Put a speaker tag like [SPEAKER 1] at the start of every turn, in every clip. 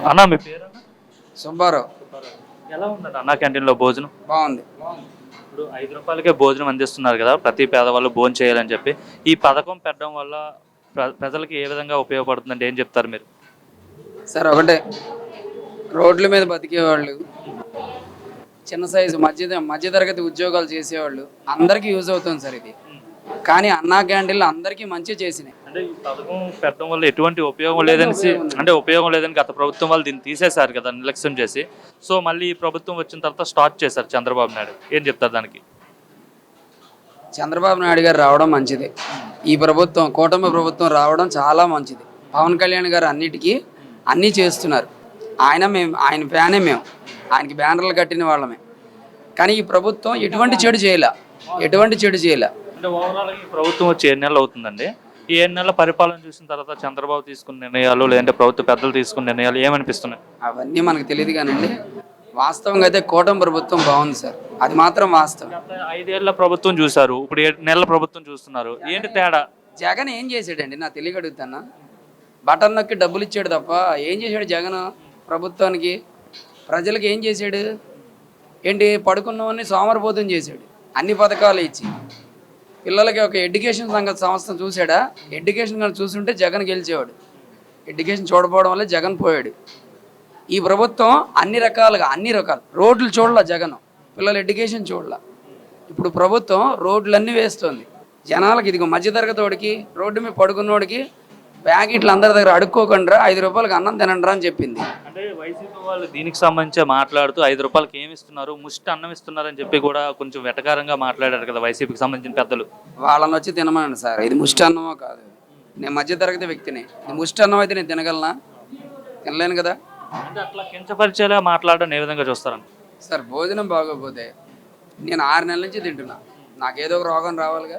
[SPEAKER 1] అన్న మీ పేరు
[SPEAKER 2] సుబ్బారావు.
[SPEAKER 1] ఎలా ఉందండి అన్నా క్యాంటీన్లో భోజనం?
[SPEAKER 2] బాగుంది.
[SPEAKER 1] ఇప్పుడు 5 రూపాయలకే భోజనం అందిస్తున్నారు కదా, ప్రతి పేదవాళ్ళు భోజనం చేయాలని చెప్పి. ఈ పథకం పెట్టడం వల్ల ప్రజలకి ఏ విధంగా ఉపయోగపడుతుందంటే ఏం చెప్తారు మీరు?
[SPEAKER 2] సార్ ఒకటే, రోడ్ల మీద బతికేవాళ్ళు, చిన్న సైజు మధ్యతరగతి ఉద్యోగాలు చేసేవాళ్ళు అందరికీ యూజ్ అవుతుంది సార్ ఇది. కానీ అన్నా క్యాంటీన్లు అందరికీ మంచి చేసినాయి.
[SPEAKER 1] అంటే ఈ పథకం పెట్టడం వల్ల ఎటువంటి ఉపయోగం లేదని గత ప్రభుత్వం వాళ్ళు దీన్ని తీసేశారు కదా, నిర్లక్ష్యం చేసి. సో మళ్ళీ ఈ ప్రభుత్వం వచ్చిన తర్వాత స్టార్ట్ చేశారు చంద్రబాబు నాయుడు. ఏం చెప్తారు దానికి?
[SPEAKER 2] చంద్రబాబు నాయుడు గారు రావడం మంచిది. ఈ ప్రభుత్వం, కూటమి ప్రభుత్వం రావడం చాలా మంచిది. పవన్ కళ్యాణ్ గారు అన్నీ చేస్తున్నారు. ఆయన ఫ్యానే మేము, ఆయనకి బ్యానర్లు కట్టిన వాళ్ళమే. కానీ ఈ ప్రభుత్వం ఎటువంటి చెడు చేయాల.
[SPEAKER 1] అంటే ఓవరాల్ ఈ ప్రభుత్వం వచ్చి 7 నెలలు అవుతుందండి. ఈ 7 నెలల పరిపాలన చూసిన తర్వాత చంద్రబాబు తీసుకున్న నిర్ణయాలు, లేదంటే ప్రభుత్వ పెద్దలు తీసుకున్న నిర్ణయాలు ఏమనిపిస్తున్నాయి?
[SPEAKER 2] అవన్నీ మనకు తెలియదు కానండి, వాస్తవంగా అయితే కూటమి ప్రభుత్వం బాగుంది సార్, అది మాత్రం వాస్తవం.
[SPEAKER 1] 5 ఏళ్ల ప్రభుత్వం చూశారు, ఇప్పుడు 7 నెలల ప్రభుత్వం చూస్తున్నారు. ఏంటి తేడా?
[SPEAKER 2] జగన్ ఏం చేశాడండి? నా తెలియగడుగుతానా? బటన్ నొక్కి డబ్బులు ఇచ్చాడు తప్ప ఏం చేశాడు జగన్? ప్రభుత్వానికి, ప్రజలకు ఏం చేశాడు? ఏంటి, పడుకున్నవన్నీ సోమరిపోతం చేశాడు. అన్ని పథకాలు ఇచ్చి పిల్లలకి ఒక ఎడ్యుకేషన్ సంస్థ చూశాడా? ఎడ్యుకేషన్ కానీ చూసుంటే జగన్ గెలిచేవాడు. ఎడ్యుకేషన్ చూడకపోవడం వల్ల జగన్ పోయాడు. ఈ ప్రభుత్వం అన్ని రకాలు రోడ్లు చూడాల జగన్, పిల్లల ఎడ్యుకేషన్ చూడాల. ఇప్పుడు ప్రభుత్వం రోడ్లన్నీ వేస్తుంది జనాలకి. ఇదిగో మధ్యతరగతోడికి, రోడ్డు మీద పడుకున్నోడికి ప్యాకెట్లు అందరి దగ్గర అడుక్కోకుండా 5 రూపాయలకి అన్నం తినండి అని చెప్పింది.
[SPEAKER 1] అంటే వైసీపీ వాళ్ళు దీనికి సంబంధించి మాట్లాడుతూ 5 రూపాయలకి ఏమి ఇస్తున్నారు, ముష్టి అన్నం ఇస్తున్నారని చెప్పి కూడా కొంచెం వెటకారంగా మాట్లాడారు కదా వైసీపీకి సంబంధించిన పెద్దలు.
[SPEAKER 2] వాళ్ళని వచ్చి తినమనండి సార్, ఇది ముష్టి అన్నమో కాదు. నేను మధ్యతరగతి వ్యక్తిని, ఇది ముష్టి అన్నం అయితే నేను తినగలనా? తినలేను కదా.
[SPEAKER 1] అంటే అట్లా కించపరిచేలా మాట్లాడడం ఏ విధంగా చూస్తారని?
[SPEAKER 2] సార్ భోజనం బాగోకపోతే నేను 6 నెలల నుంచి తింటున్నా, నాకేదో ఒక రోగం రావాలిగా.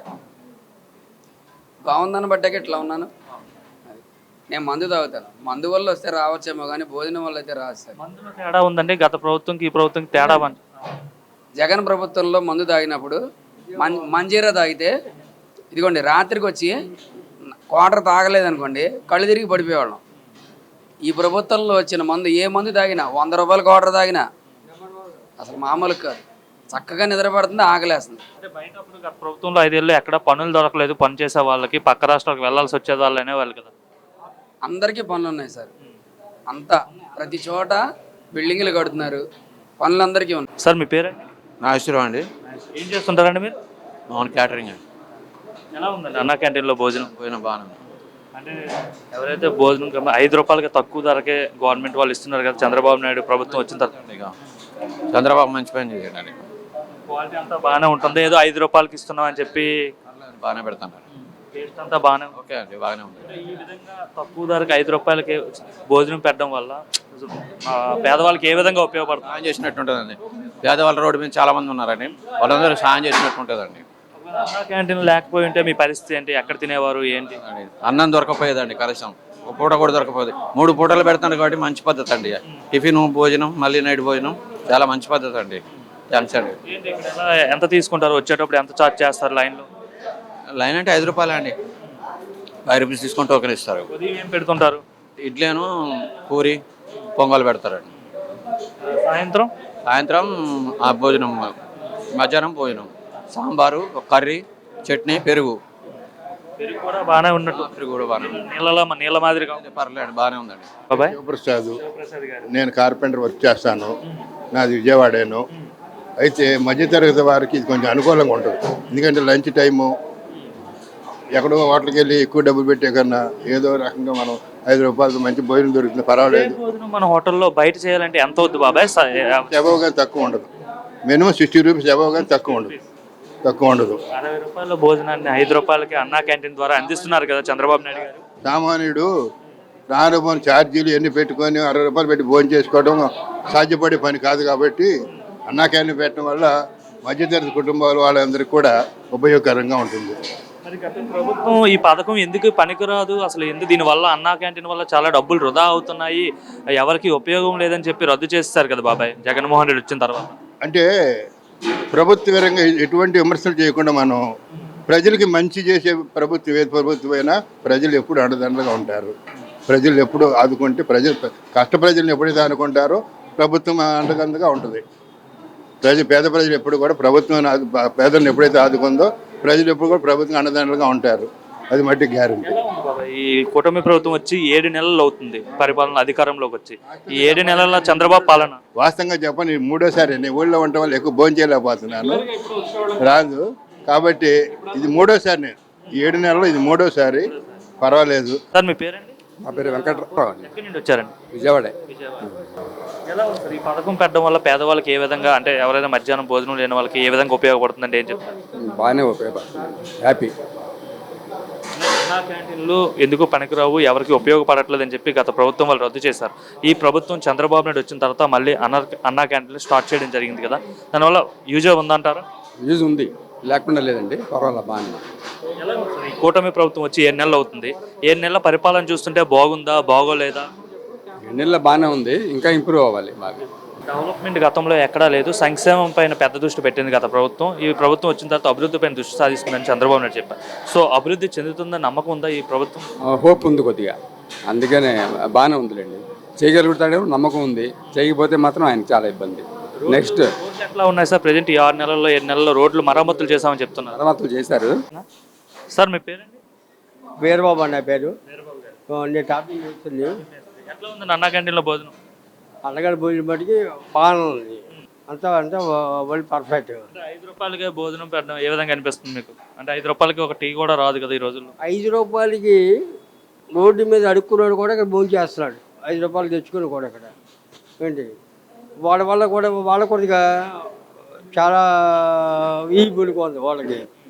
[SPEAKER 2] బాగుందని బట్టాక ఇట్లా ఉన్నాను. నేను మందు తాగుతాను, మందు వల్ల వస్తే రావచ్చేమో కానీ భోజనం వల్ల అయితే రాదు సార్.
[SPEAKER 1] మందులో తేడా ఉందండి, గత ప్రభుత్వంకి ఈ ప్రభుత్వంకి తేడా.
[SPEAKER 2] జగన్ ప్రభుత్వంలో మందు తాగినప్పుడు మంజీరా తాగితే ఇదిగోండి, రాత్రికి వచ్చి క్వార్టర్ తాగలేదనుకోండి కళ్ళు తిరిగి పడిపోయేవాళ్ళం. ఈ ప్రభుత్వంలో వచ్చిన మందు, ఏ మందు తాగినా 100 రూపాయల క్వార్టర్ తాగినా అసలు మామూలు కాదు, చక్కగా నిద్రపడుతుంది, ఆకలేస్తుంది.
[SPEAKER 1] అంటే బయట గత ప్రభుత్వంలో 5 ఏళ్ళు ఎక్కడ పనులు దొరకలేదు, పని చేసే వాళ్ళకి పక్క రాష్ట్రాలకు వెళ్లాల్సి వచ్చే వాళ్ళు అనేవాళ్ళు కదా.
[SPEAKER 2] అందరికీ పనులు ఉన్నాయి సార్, అంతా ప్రతి చోట బిల్డింగ్లు కడుతున్నారు, పనులు అందరికీ ఉన్నాయి.
[SPEAKER 1] సార్ మీ పేరండి?
[SPEAKER 3] నాగేశ్వరరావు అండి.
[SPEAKER 1] ఏం చేస్తుంటారండి మీరు?
[SPEAKER 3] నాన్ క్యాటరింగ్ అండి.
[SPEAKER 1] ఎలా ఉందండి అన్నా క్యాంటీన్లో భోజనం?
[SPEAKER 3] బాగానే ఉంది.
[SPEAKER 1] అంటే ఎవరైతే భోజనం 5 రూపాయలకి తక్కువ ధరకే గవర్నమెంట్ వాళ్ళు ఇస్తున్నారు కదా, చంద్రబాబు నాయుడు ప్రభుత్వం వచ్చిన తర్వాత
[SPEAKER 3] ఇక చంద్రబాబు మంచి పని చేయండి.
[SPEAKER 1] క్వాలిటీ అంతా బాగానే ఉంటుంది, ఏదో 5 రూపాయలకి ఇస్తున్నాం అని చెప్పి
[SPEAKER 3] బాగానే పెడుతున్నారు.
[SPEAKER 1] టేస్ట్ అంతా బాగానే
[SPEAKER 3] ఓకే అండి, బాగానే ఉంది.
[SPEAKER 1] ఈ విధంగా తక్కువ ధరకు 5 రూపాయలకి భోజనం పెట్టడం వల్ల పేదవాళ్ళకి ఏ విధంగా ఉపయోగపడుతుంది?
[SPEAKER 3] సాయం చేసినట్టు ఉంటుందండి. పేదవాళ్ళ రోడ్డు మీద చాలా మంది ఉన్నారండి, వాళ్ళందరూ సాయం చేసినట్టు ఉంటుందండి.
[SPEAKER 1] అన్నా క్యాంటీన్ లేకపోయి ఉంటే మీ పరిస్థితి ఏంటి? ఎక్కడ తినేవారు ఏంటి?
[SPEAKER 3] అన్నం దొరకపోయేదండి, కనీసం ఒక పూట కూడా దొరకపోయేది. 3 పూటలు పెడతాను కాబట్టి మంచి పద్ధతి అండి. టిఫిన్, భోజనం, మళ్ళీ నైట్ భోజనం చాలా మంచి పద్ధతి అండి. థ్యాంక్స్ అండి.
[SPEAKER 1] ఎంత తీసుకుంటారు? వచ్చేటప్పుడు ఎంత ఛార్జ్ చేస్తారు లైన్లో?
[SPEAKER 3] లైన్ అంటే 5 రూపాయలు అండి, 5 రూపీస్ తీసుకొని టోకెన్ ఇస్తారు.
[SPEAKER 1] ఏం పెడుతుంటారు?
[SPEAKER 3] ఇడ్లీను, పూరి, పొంగల్ పెడతారండి. సాయంత్రం ఆ భోజనం, మధ్యాహ్నం భోజనం, సాంబారు, కర్రీ, చట్నీ, పెరుగు
[SPEAKER 1] కూడా బాగానే ఉన్నట్టు.
[SPEAKER 3] పెరుగు కూడా బాగానే
[SPEAKER 1] నీళ్ళ మాదిరి
[SPEAKER 3] పర్లేదు, బాగానే ఉందండి.
[SPEAKER 4] శివప్రసాద్, నేను కార్పెంటర్ వర్క్ చేస్తాను, నాది విజయవాడేను. అయితే మధ్యతరగతి వారికి ఇది కొంచెం అనుకూలంగా ఉంటుంది. ఎందుకంటే లంచ్ టైము ఎక్కడో హోటల్కి వెళ్ళి ఎక్కువ డబ్బులు పెట్టే కన్నా ఏదో రకంగా మనం 5 రూపాయలకి మంచి భోజనం దొరుకుతుంది, పర్వాలేదు.
[SPEAKER 1] మన హోటల్లో బయట చేయాలంటే ఎంత అవుతుంది బాబాయ్?
[SPEAKER 4] అబవ్ కానీ తక్కువ ఉండదు, మినిమం 60 రూపీస్ అబవ్ కానీ తక్కువ ఉండదు.
[SPEAKER 1] 60 రూపాయల భోజనాన్ని 5 రూపాయలకి అన్నా క్యాంటీన్ ద్వారా అందిస్తున్నారు కదా చంద్రబాబు నాయుడు గారు.
[SPEAKER 4] సామాన్యుడు రానుపోని ఛార్జీలు ఎన్ని పెట్టుకొని 60 రూపాయలు పెట్టి భోజనం చేసుకోవడం సాధ్యపడే పని కాదు. కాబట్టి అన్నా క్యాంటీన్ పెట్టడం వల్ల మధ్యతరగతి కుటుంబాలు వాళ్ళందరికీ కూడా ఉపయోగకరంగా ఉంటుంది.
[SPEAKER 1] మరి గత ప్రభుత్వం ఈ పథకం ఎందుకు పనికిరాదు, అసలు ఎందుకు దీనివల్ల అన్నా క్యాంటీన్ వల్ల చాలా డబ్బులు వృధా అవుతున్నాయి, ఎవరికి ఉపయోగం లేదని చెప్పి రద్దు చేస్తారు కదా బాబాయ్ జగన్మోహన్ రెడ్డి వచ్చిన తర్వాత?
[SPEAKER 4] అంటే ప్రభుత్వ పరంగా ఎటువంటి విమర్శలు చేయకుండా మనం ప్రజలకి మంచి చేసే ప్రభుత్వం, ఏ ప్రభుత్వమైనా ప్రజలు ఎప్పుడు అండదండగా ఉంటారు. ప్రజలు ఎప్పుడు ఆదుకుంటే కష్ట ప్రజలను ఎప్పుడైతే ఆదుకుంటారో ప్రభుత్వం అండగా ఉంటుంది. పేద ప్రజలు ఎప్పుడు కూడా ప్రభుత్వం పేదలను ఎప్పుడైతే ఆదుకుందో ప్రజలు ఎప్పుడు కూడా ప్రభుత్వం అండదండలుగా ఉంటారు. అది మట్టి గ్యారెంటీ.
[SPEAKER 1] ఈ కూటమి ప్రభుత్వం వచ్చి 7 నెలలు అవుతుంది పరిపాలన అధికారంలోకి వచ్చి. ఈ 7 నెలల చంద్రబాబు పాలన
[SPEAKER 4] వాస్తవంగా చెప్పని మూడోసారి నేను ఊళ్ళో ఉండటం వల్ల ఎక్కువ భోజనం చేయలేకపోతున్నాను, రాదు. కాబట్టి ఇది మూడోసారి, నేను ఈ 7 నెలల్లో ఇది మూడోసారి. పర్వాలేదు.
[SPEAKER 1] సార్ మీ పేరండి?
[SPEAKER 5] మా పేరు వెంకట్రావు అండి,
[SPEAKER 1] ఎక్కడి నుండి వచ్చారండి?
[SPEAKER 5] విజయవాడ.
[SPEAKER 1] ఎలా ఉంది సార్ ఈ పథకం పెట్టడం వల్ల పేదవాళ్ళకి ఏ విధంగా, అంటే ఎవరైనా మధ్యాహ్నం భోజనం లేని వాళ్ళకి ఏ విధంగా ఉపయోగపడుతుందంటే ఏం చెప్తారు?
[SPEAKER 5] బాగానే ఉపయోగపడుతుంది, హ్యాపీ.
[SPEAKER 1] అన్నా క్యాంటీన్లు ఎందుకు పనికిరావు, ఎవరికి ఉపయోగపడట్లేదు అని చెప్పి గత ప్రభుత్వం వాళ్ళు రద్దు చేశారు. ఈ ప్రభుత్వం చంద్రబాబు నాయుడు వచ్చిన తర్వాత మళ్ళీ అన్నా క్యాంటీన్లు స్టార్ట్ చేయడం జరిగింది కదా, దానివల్ల యూజ్ ఉందంటారా?
[SPEAKER 5] యూజ్ ఉంది, లేకుండా లేదండి, పర్వాలేదు, బాగానే.
[SPEAKER 1] ఎలా ఉంది సార్ ఈ కూటమి ప్రభుత్వం వచ్చి 7 నెలలు అవుతుంది, 7 నెలల పరిపాలన చూస్తుంటే బాగుందా బాగోలేదా?
[SPEAKER 5] 2 నెలలు బాగానే ఉంది, ఇంకా ఇంప్రూవ్ అవ్వాలి బాగా.
[SPEAKER 1] డెవలప్మెంట్ గతంలో ఎక్కడా లేదు, సంక్షేమం పైన పెద్ద దృష్టి పెట్టింది గత ప్రభుత్వం. ఈ ప్రభుత్వం వచ్చిన తర్వాత అభివృద్ధి పైన దృష్టి సాధిస్తుందని చంద్రబాబు నాయుడు చెప్పారు. సో అభివృద్ధి చెందుతుందని నమ్మకం ఉందా ఈ ప్రభుత్వం?
[SPEAKER 5] హోప్ ఉంది కొద్దిగా, అందుకనే బాగానే ఉందిలేండి. చేయగలుగుతాడేమో నమ్మకం ఉంది, చేయకపోతే మాత్రం ఆయనకి చాలా ఇబ్బంది. నెక్స్ట్
[SPEAKER 1] రోడ్లు ఎట్లా ఉన్నాయి సార్? ప్రజెంట్ ఈ 6 నెలల్లో 7 నెలల్లో రోడ్లు మరమ్మతులు చేశామని చెప్తున్నారు.
[SPEAKER 5] మరమ్మతులు చేశారు.
[SPEAKER 1] సార్ మీ పేరండి?
[SPEAKER 6] వీరబాబు అన్న పేరు. నేను టాపింగ్ చేస్తుంది.
[SPEAKER 1] ఎట్లా ఉంది అన్నా క్యాంటీన్లో భోజనం?
[SPEAKER 6] అన్నగారి భోజనం బట్టికి బాగానే ఉంది, అంతా వరల్డ్ పర్ఫెక్ట్.
[SPEAKER 1] అంటే 5 రూపాయలకే భోజనం పెట్టడం ఏ విధంగా అనిపిస్తుంది మీకు? అంటే 5 రూపాయలకి ఒక టీ కూడా రాదు కదా ఈ రోజుల్లో.
[SPEAKER 6] 5 రూపాయలకి రోడ్డు మీద అడుక్కున్నాడు కూడా ఇక్కడ భోజనం చేస్తున్నాడు, 5 రూపాయలు తెచ్చుకుని కూడా ఇక్కడ. ఏంటి వాళ్ళ వల్ల కూడా వాళ్ళ కొద్దిగా చాలా ఈబుల్గా ఉంది వాళ్ళకి.